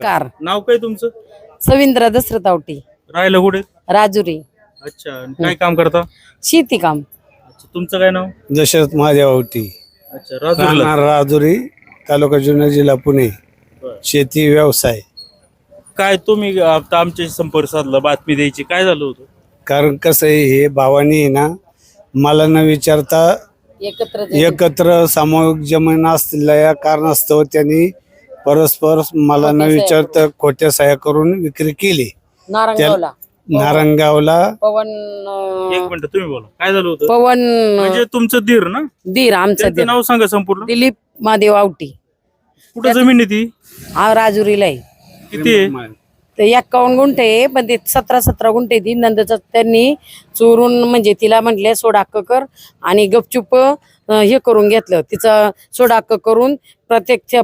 Car नाव काय तुमचं? सविंद्र दसरथ आवटी राहायला कुठे? राजुरी अच्छा, आणि काय काम करता? शेती काम अच्छा, तुमचं काय नाव? दशरथ महादेवावटी, अच्छा, राजूरला. राहणार राजुरी, तालुका जुन्नर, जिल्हा पुणे. बरं. शेती व्यवसाय. काय तुम्ही आता आमच्या संपर्क साधला बातमी द्यायची, काय झालं होतं? कारण कसं आहे, हे भावानी आहे ना, मला न विचारता एकत्र एकत्र सामूहिक जमीन असलेल्या कारणास्तव त्यांनी परस्पर मला न विचारता खोट्या सह्या करून विक्री केली. नारंगावला नारंगावला पवन एक मिनिट, तुम्ही बोला, काय झालं होतं? पवन म्हणजे तुमचं दीर ना? दीर आमचा त्यांचं दीर नाव सांगा संपूर्ण. दिलीप महादेव आवटी कुठं जमीन आहे ती? हा राजुरीला आहे. किती आहे? ते 51 गुंठे आहे, पण ते 17 गुंठे ती नंदच त्यांनी चोरून, म्हणजे तिला म्हटले सोडाक्क कर, आणि गपचूप हे करून घेतलं तिचं सोडाक्क करून. प्रत्येक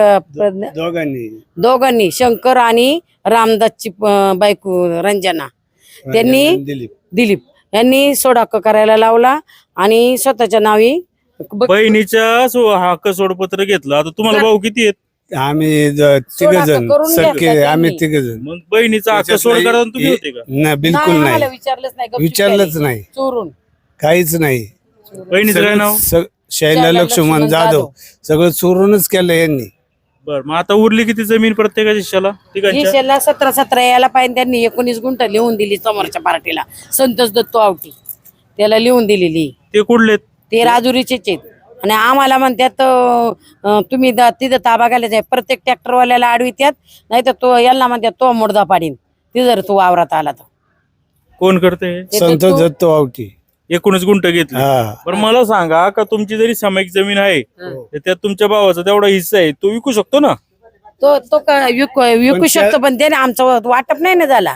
दोघांनी शंकर आणि रामदासची बायको रंजना, त्यांनी दिलीप यांनी सोडाक्क करायला लावला आणि स्वतःच्या नावी बहिणीच्या हक्क सोडपत्र घेतलं. आता तुम्हाला भाऊ किती आहेत? आम्ही तिघ जण करून सख्खे, घेतला आम्ही त्यांनी. तिघ जण. मग बहिणीचा हक्क सोड करा तुम्ही होते का? नाही, बिलकुल आम्हाला नाही, विचारलंच नाही, गपचूप विचारलंच केलं. नाही, चोरून काहीच नाही. बहिणीचं काय नाव? शैला लक्ष्मण जाधव. सगळं चोरूनच केलं यांनी. बर, मग आता उरली किती जमीन प्रत्येकाच्या हिश्श्याला? तिघांच्या? हिशेला 17 यायला पाहिजे. त्यांनी 19 गुंठ लिहून दिली समोरच्या पार्टीला, संतोष दत्तो आवटी त्याला लिहून दिलेली. ते कुठले? ते राजुरीचेच आहेत. आणि आम्हाला म्हणतात तुम्ही तिथं ताबा घालायचा आहे. प्रत्येक ट्रॅक्टरवाल्याला आडवित्यात, नाही तर तो यांना म्हणतात तो मुर्दा पाडीन ती जर तू वावरात आला तर. कोण करते? संतोष दत्तो आवटी. 19 गुंठ घेतले. हा. पण मला सांगा, का तुमची जरी सामायिक जमीन आहे तर त्यात तुमच्या भावाचा तेवढा हिस्सा आहे, तो विकू शकतो ना? तो विकू शकतो, पण त्याने आमचं वाटप नाही ना झाला.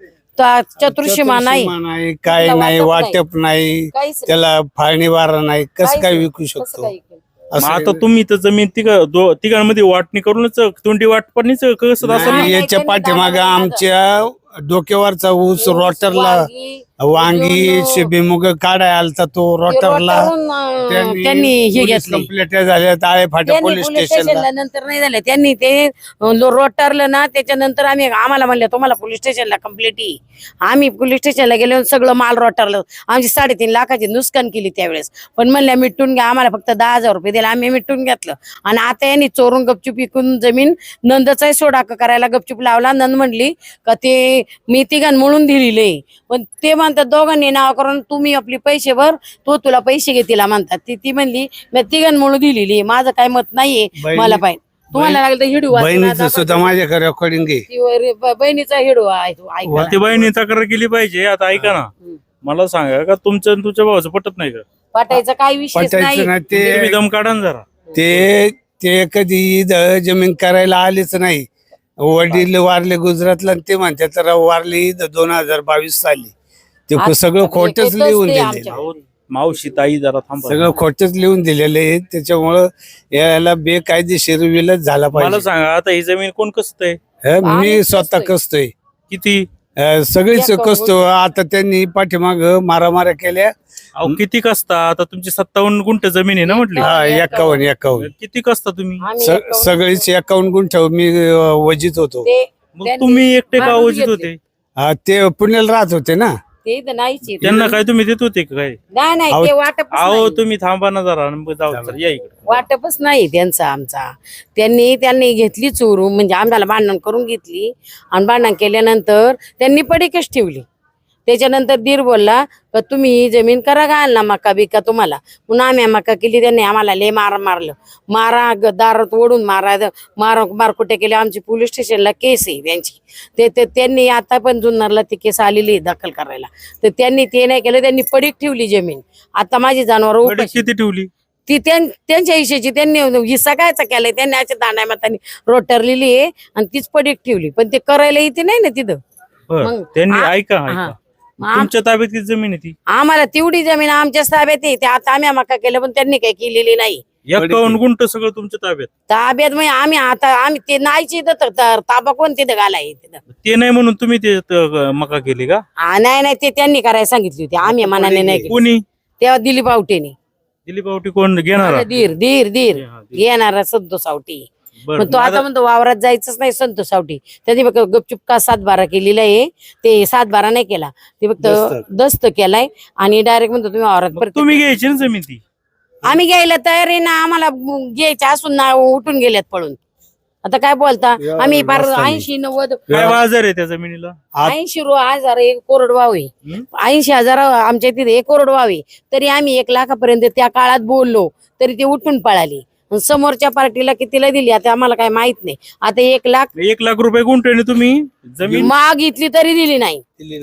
चतुर्शीमा नाही, काय त्याला नाही, वाटप वाटप नाही, काहीच नाही. त्याला फाळणी वारा नाही, कसं काय विकू कसं शकतो? काय केलं? मग आता तुम्ही तर जमीन तिघांमध्ये वाटणी करूनच तोंडी वाटपणीच कसं असं नाही, ना? याच्या पाठीमाग आमच्या डोक्यावरचा ऊस रोटरला, वांगी शिबीमुग काढाय आलता, तो रोटरला त्यांनी हे घेतले. कंप्लेट झाल्या ताळे फाटा पोलीस स्टेशनला. नंतर नाही झालं, त्यांनी ते रोटारलं ना, त्याच्यानंतर आम्हाला म्हणलं तुम्हाला पोलीस स्टेशनला कंप्लेंट येईल. आम्ही पोलीस स्टेशनला गेलो, सगळं माल रोटारलं. आमची 3.5 लाखाची नुकसान केली त्यावेळेस. पण म्हणल्या मिटून घ्या, आम्हाला फक्त 10,000 रुपये दिले, आम्ही मिटून घेतलं. आणि आता यांनी चोरून गपचूप विकून जमीन नंदचाही सोडाक करायला गपचूप लावला. नंद म्हणली का ते मी तिघां म्हणून दिलेले, पण ते म्हणतात दोघांनी नाव करून तुम्ही आपले पैसे भर, तो तुला पैसे घे तिला म्हणतात. ती म्हणली मी तिघां म्हणून दिलेली, माझं काय मत नाहीये, मला पाहिजे. तुम्हाला लागलं तर हिडू बहिणीचं सुद्धा माझ्याकडे रेकॉर्डिंग आहे. बहिणीचा हिडू ऐका. ते बहिणी तक्रार केली पाहिजे. आता ऐका ना, मला सांगा, का तुमचं आणि तुमच्या भावाचं पटत नाही का? पटायचा काही विषय पटायचं नाही. तुम्ही दम काढा ना जरा. ते कधी इथं जमीन करायला आलेच नाही. वडील वारले गुजरातला, आणि ते म्हणतात तर वारले इथं 2022 साली. ते सगळं खोटच लिहून दिलेलं, अहो, मावशी ताई जरा थांबा. सगळं खोटच लिहून दिलेलं आहे. त्याच्यामुळं याला बेकायदेशीर विलच झाला मला पाहिजे. सांगा, आता ही जमीन कोण कसतंय? मी स्वतः कसतोय, किती? सगळीच कसतो. आता त्यांनी पाठीमाग मारामाऱ्या केल्या. अहो, किती कसता? आता तुमची 57 गुंठ जमीन आहे ना म्हटली. हा, 51. किती कसता तुम्ही? सगळीच 51 गुंठ मी वजीत होतो. मग तुम्ही एकटे का वजीत होते? हा, ते पुण्याला राहत होते ना. ते तर नाहीच आहे. त्यांना काय तुम्ही देत होते का काय? नाही ते वाटपच अहो, नाही. तुम्ही थांबा ना जरा, मग जाऊ सर, या इकडे. वाटपच नाही त्यांचा आमचा. त्यांनी घेतली चोरून, म्हणजे आम्हाला भांडण करून घेतली, आणि भांडण केल्यानंतर त्यांनी पडीकच ठेवली. त्याच्यानंतर दीर बोलला का तुम्ही ही जमीन करा घाल ना, मका बिका तुम्हाला. म्हणून आम्ही मका केली. त्यांनी आम्हाला लय मारलं, दारात ओढून मारकुटे केले. आमची पोलीस स्टेशनला केस आहे त्यांची. त्यांनी आता पण जुन्नरला ती केस आलेली आहे दाखल करायला. तर त्यांनी ते नाही केलं, त्यांनी पडीक ठेवली जमीन. आता माझी जनावर किती ठेवली? ती त्यांच्या हिशेची त्यांनी हिस्सा कायचा केलाय, त्यांनी अशा दांड्या मातांनी रोटरलेली आहे, आणि तीच पडीक ठेवली. पण ते करायला येते नाही ना तिथं. बरं, त्यांनी ऐका, तुमच्या ताब्यात किती जमीन आहे ती? आम्हाला तेवढी जमीन आमच्या ताब्यात आहे. ते आता आम्ही मका केलं, पण त्यांनी काही केलेली नाही. 51 गुंठ सगळं तुमच्या ताब्यात म्हणजे आम्ही ते नाहीची ताबा कोण तिथं घालाय तिथं. ते नाही म्हणून तुम्ही ते मका केली का? नाही ते त्यांनी करायला सांगितली होती, आम्ही मनाने नाही केली. कोणी? तेव्हा दिलीप आवटेने. दिलीप आवटी कोण घेणार? धीर घेणारा संतोष आवटी. बरं, पण तो आता म्हणतो वावरात जायचंच नाही संतोष सावटी. त्यांनी फक्त गपचूप का 7-12 केलेला आहे, ते 7-12 नाही केला, ते फक्त दस्त केलाय आणि डायरेक्ट म्हणतो तुम्ही वावरात मग परत. तुम्ही घ्यायची ना जमीन ती. आम्ही घ्यायला तयार आहे ना, आम्हाला घ्यायच्या असून ना उठून गेल्यात पळून. आता काय बोलता, आम्ही फार 80-90 काय बाजार आहे त्या जमिनीला? 80,000 एक कोरडवाव आहे. 80,000 आमच्या तिथे एक कोरडवाव आहे, तरी आम्ही 1 लाखापर्यंत त्या काळात बोललो तरी ते उठून पळाली. समोरच्या पार्टीला कितीला दिली आता आम्हाला काय माहित नाही. आता 1 1,00,000 रुपये गुंठ्याने तुम्ही जमीन मागितली तरी दिली नाही.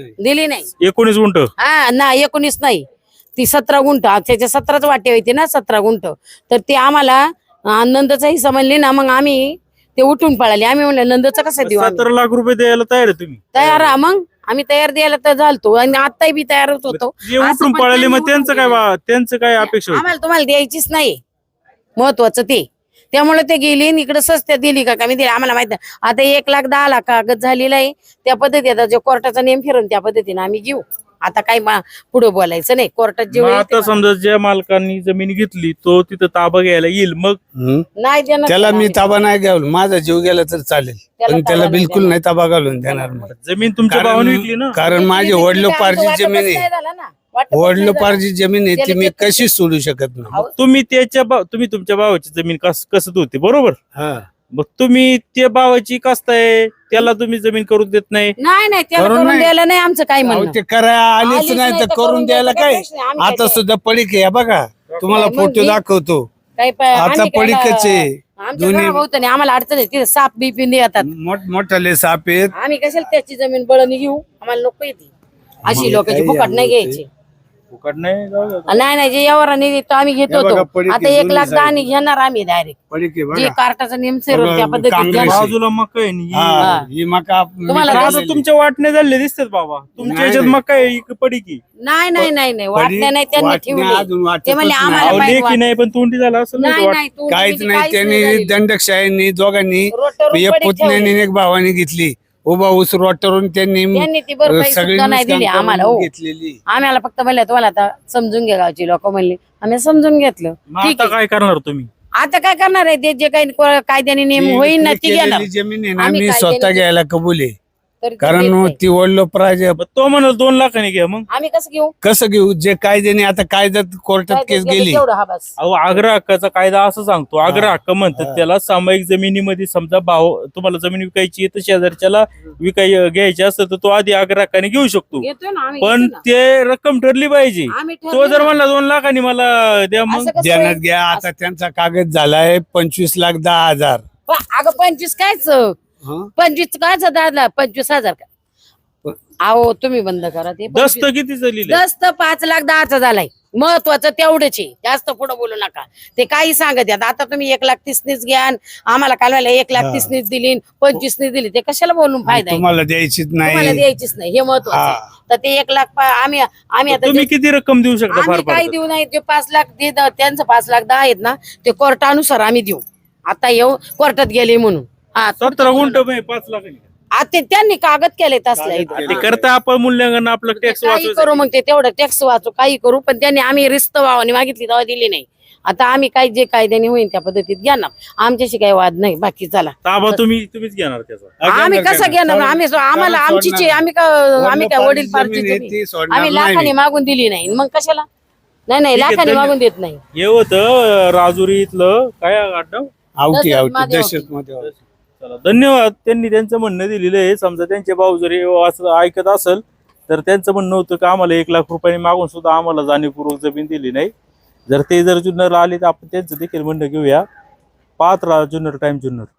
19 गुंठ. हा ना, 19 नाही, ती 17 गुंठ. त्याच्या 17च वाटे होते ना, 17 गुंठ. तर ते आम्हाला नंदचा हिस्सा म्हणले ना, मग आम्ही ते उठून पळाले. आम्ही म्हणलं नंदचं कसं देऊ? 17 लाख रुपये द्यायला तयार आहे तुम्ही? तयार आहे मग, आम्ही तयार द्यायला तर झालतो आणि आताही बी तयारच होतो. जे उठून पळाले मग त्यांचं काय अपेक्षा होती? आम्हाला तुम्हाला द्यायचीच नाही, महत्वाचं ते. त्यामुळे ते गेली इकडे सस्त्यात दिली का कमी दिली आम्हाला माहित नाही. आता 1,10,00,000 कागद झालेला आहे, त्या पद्धती आता जो कोर्टाचा नेम फिरून त्या पद्धतीने आम्ही घेऊ. आता काही पुढे बोलायचं नाही, कोर्टात जे मग होईल ते आता समजा ज्या मालकांनी जमीन घेतली तो तिथं ताबा घ्यायला येईल, मग नाही देणार त्याला मी आम्ही. ताबा नाही घ्यावं, माझा जीव गेला तर चालेल, त्याला पण त्याला ताबा नाही बिलकुल नाही ताबा घालून देणार मी. जमीन तुमच्या भावाने विकली ना? कारण माझी वडलोपार्जित आमचं जमीन वाटपच आहे, नाही झालं ना. वाटपच नाही झालं. वडलोपार्जित जमीन आहे, ती त्याला मी घेतलं कशी सोडू शकत नाही. तुम्ही तुमच्या भावाची जमीन कसत होती, बरोबर? हा. मग तुम्ही त्या भावाची कसताय, त्याला तुम्ही जमीन करून देत नाही? नाही त्याला करून करून नाही. द्यायला नाही आमचं काही अहो, म्हणणं. ते करा आलीच आलीच नाही तर करून द्यायला काय. प्रश्न आहे. आम्ही आता काय सुद्धा पडीक आहे बघा, तुम्हाला मग फोटो मी- दाखवतो. काही आता आम्ही काय पडीकच आहे. आमच्या दोन्ही- घराभोवतानी आम्हाला अडचण आहे, तिथे साप बिपिन येतात. मोठाले साप आहेत. आम्ही कशाला त्याची जमीन बळणी घेऊ, आम्हाला नको येते अशी लोकांची फुकट नाही घ्यायची. फुकट नाही, जाऊ द्या. नाही जे यावराने देतो आम्ही घेत हे बघा, होतो. पडीक आता आहे, 1,10,000 जुनी घेणार आम्ही डायरेक्ट, पडीक आहे जे बघा. कार्टाचा नेम सेरो त्या बघा, पद्धतीत काँग्रेस घेणार. बाजूला मका आहे नी. हा, ही मका तुम्हाला आता मी तुमच्या वाटणे झाले दिसतात बाबा, तुमच्या नाही, ह्याच्यात नाही. मका आहे की पडीकी? नाही वाटण्या नाही त्यांनी वाटण्या ठेवली. अजून वाटतच ते म्हणले नाही. आम्हाला अहो, माहित लेखी नाही पण तोंडी झाला असं नाही तू काहीच म्हणजे नाही. काहीच त्यांनी झालेलं. दंडकशाहींनी दोघांनी रोटरून एक पडीक पुतण्याने ठेवली. एक भावाने घेतली. उभा ऊस रोटरून त्यांनी त्यांनी ती भरपाई सगळी सुद्धा नाही नुकसान दिली करून आम्हाला. हो, घेतलेली. आम्हाला फक्त म्हणलं तुम्हाला आता समजून घ्या, गावची लोक म्हणले आम्ही समजून घेतलं. मग ठीक आता आहे, काय करणार तुम्ही? आता काय करणार आहे, ते जे काही कायद्याने नेम ती होईल ना विक्री ती घेणार. केलेली जमीन आहे ना, आम्ही मी काय स्वतः केलं? घ्यायला कबूल आहे. तर ते कारण देत नाही. ती वडलो प्राय मग तो म्हणाल 2 लाखांनी घ्या. मग आम्ही कसं घेऊ? कसं घेऊ, जे कायद्याने आता कायद्यात कोर्टात काय केस गेलं गेली. तेवढं, हा बस. अहो, आग्रह हक्काचा कायदा असं सांगतो, आग्रह हक्क म्हणतात त्याला. सामायिक जमिनीमध्ये समजा भाव तुम्हाला जमीन विकायची आहे तर शेजारच्याला घ्यायची असतं तर तो आधी आग्रह हक्काने घेऊ शकतो, घेतोय ना आम्ही, पण घेतो ना. ते रक्कम ठरली पाहिजे. आम्ही तो ठरवलं जर ना. म्हणला 2 लाखांनी मला द्या, मग असं कसं ध्यानात होईल? घ्या, आता त्यांचा कागद झालाय 25,10,000. अगं 25 कायच, 25 कायच दादा, 25,000 का? अहो तुम्ही बंद करा ते. दस्त किती लिहिलंय? दस्त 5,10,000 झालाय. महत्वाचं तेवढंच आहे, जास्त पुढे बोलू नका. ते काही सांगत आहेत. आता तुम्ही 1,30,000 घ्या, आम्हाला काल 1,30,000 दिली, 25 दिली, ते कशाला बोलून फायदा आहे? तुम्हाला द्यायचीच तुम्हाला नाही. द्यायचीच नाही, हे महत्वाचं आहे. तर ते 1,00,000 आम्ही आता तुम्ही किती रक्कम देऊ शकता? फार आम्ही काही फार देऊ नाही. ते 5,00,000 त्यांचं 5,10,000 आहेत ना, ते कोर्टानुसार आम्ही देऊ. आता येऊ कोर्टात गेले म्हणून. हा 17 गुंठ 5 लाखांनी. आता त्यांनी कागद केले तसला इथं. ते करता आपण मूल्यांकन आपलं टॅक्स काही वाचवायचं. करू मग ते तेवढं टॅक्स वाचू, काही करू, पण त्यांनी आम्ही रिस्त भावाने मागितली तेव्हा दिली नाही. आता आम्ही काही जे कायद्याने होईल त्या पद्धतीत घेणार, आमच्याशी काही वाद नाही. बाकी चला, ताबा तुम्हीच घेणार त्याचा. आम्ही कसं घेणार? आम्हाला आमचीच आहे. आम्ही काय वडील पार्टीची आम्ही लाखाने मागून दिली नाही, मग कशाला? नाही लाखाने मागून देत नाही. हे होतं राजुरी इथलं काय आडनाव? आवटी दशरथ महादेव. दशरथ मध्ये. चला, धन्यवाद. त्यांनी त्यांचं म्हणणं दिलेलं आहे. समजा त्यांचे भाऊ जरी असं ऐकत असेल तर त्यांचं म्हणणं होतं की आम्हाला 1,00,000 रुपये मागून सुद्धा आम्हाला जाणीवपूर्वक जमीन दिली नाही. जर जुन्नरला आले तर आपण त्यांचं देखील म्हणणं घेऊया. पाहत राहा जुन्नर टाइम जुन्नर.